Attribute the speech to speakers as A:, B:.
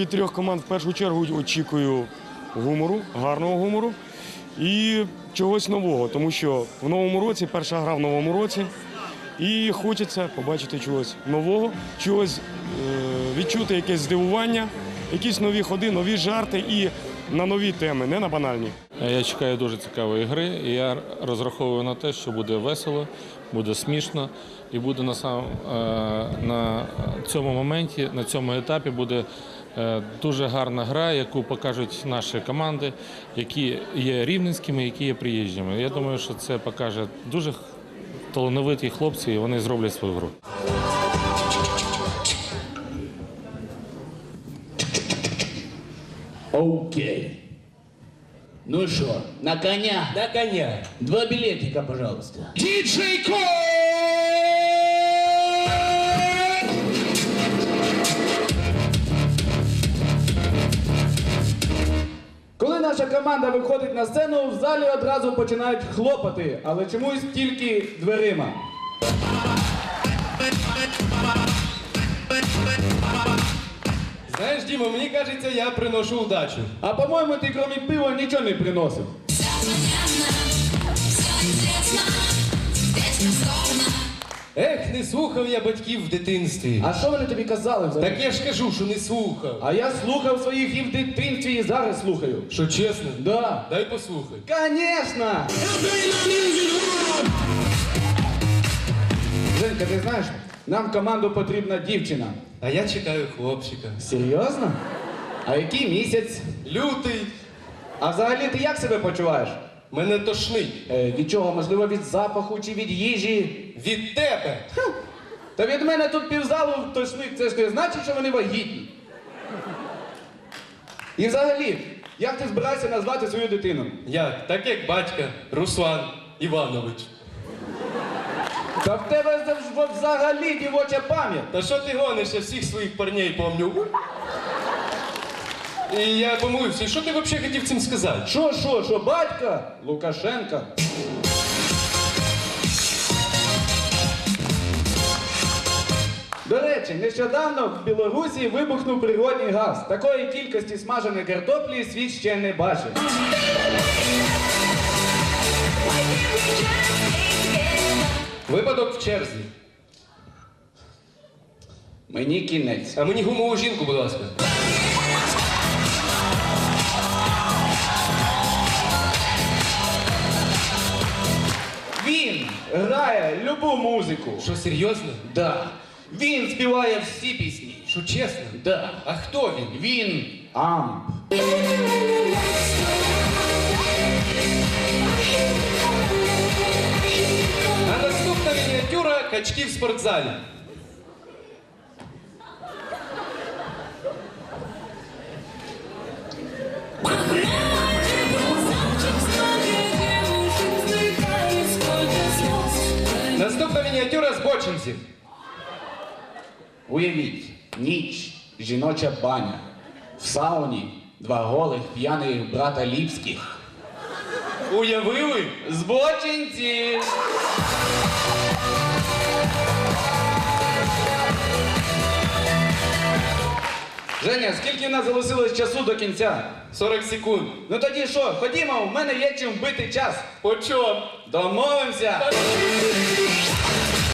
A: від трьох команд в першу чергу очікую гумору, гарного гумору і чогось нового, тому що в новому році, перша гра в новому році, і хочеться побачити чогось нового, чогось відчути якесь здивування, якісь нові ходи, нові жарти і на нові теми, не на банальні.
B: Я чекаю дуже цікавої гри, і я розраховую на те, що буде весело, буде смішно, і буде на цьому моменті, на цьому етапі буде дуже гарна гра, яку покажуть наші команди, які є рівненськими, які є приїжджими. Я думаю, що це покаже дуже талановиті хлопці, і вони зроблять свою гру.
C: Окей. Ну что, на коня?
D: На коня.
C: 2 билетика, пожалуйста.
D: Діджей Ко!
E: Коли наша команда виходить на сцену, в залі одразу починають хлопати, але чомусь тільки дверима.
D: Знаєш, Діма, мені кажеться, я приношу удачу.
E: А по-моєму, ти крім пива нічого не приносив.
D: Ех, не слухав я батьків в дитинстві.
E: А що вони тобі казали взагалі?
D: Так я ж кажу, що не слухав.
E: А я слухав своїх і в дитинстві, і зараз слухаю.
D: Що чесно?
E: Да.
D: Дай послухай.
E: Конечно! Женька, ти знаєш, нам в команду потрібна дівчина.
D: А я чекаю хлопчика.
E: Серйозно? А який місяць?
D: Лютий.
E: А взагалі ти як себе почуваєш?
D: Мене тошнить.
E: Від чого? Можливо, від запаху чи від їжі?
D: Від тебе.
E: Та від мене тут півзалу тошнить, це ж не значить, що вони вагітні. І взагалі, як ти збираєшся назвати свою дитину?
D: Як? Так як батька Руслан Іванович.
E: Та в тебе взагалі дівоча пам'ять.
D: Та що ти гониш, я всіх своїх парней помню. І я помилився, і що ти взагалі хотів цим сказати?
E: Що, батька? Лукашенка. До речі, нещодавно в Білорусі вибухнув природний газ. Такої кількості смаженої картоплі світ ще не бачив.
D: Випадок в черзі.
E: Мені кінець.
D: А мені гумову жінку, будь ласка.
E: Він грає любу музику.
D: Що, серйозно?
E: Да. Він співає всі пісні.
D: Що, чесно?
E: Да.
D: А хто він?
E: Він амп.
D: А наступна мініатюра – качки в спортзалі. Наступна мініатюра – збочинців.
E: Уявіть, ніч, жіноча баня. В сауні 2 голих п'яних брата Ліпських.
D: Уявили?
E: Збочинці! Женя, скільки в нас залишилось часу до кінця?
D: 40 секунд.
E: Ну тоді що, ходімо, в мене є чим вбити час.
D: По чому?
E: Домовимося!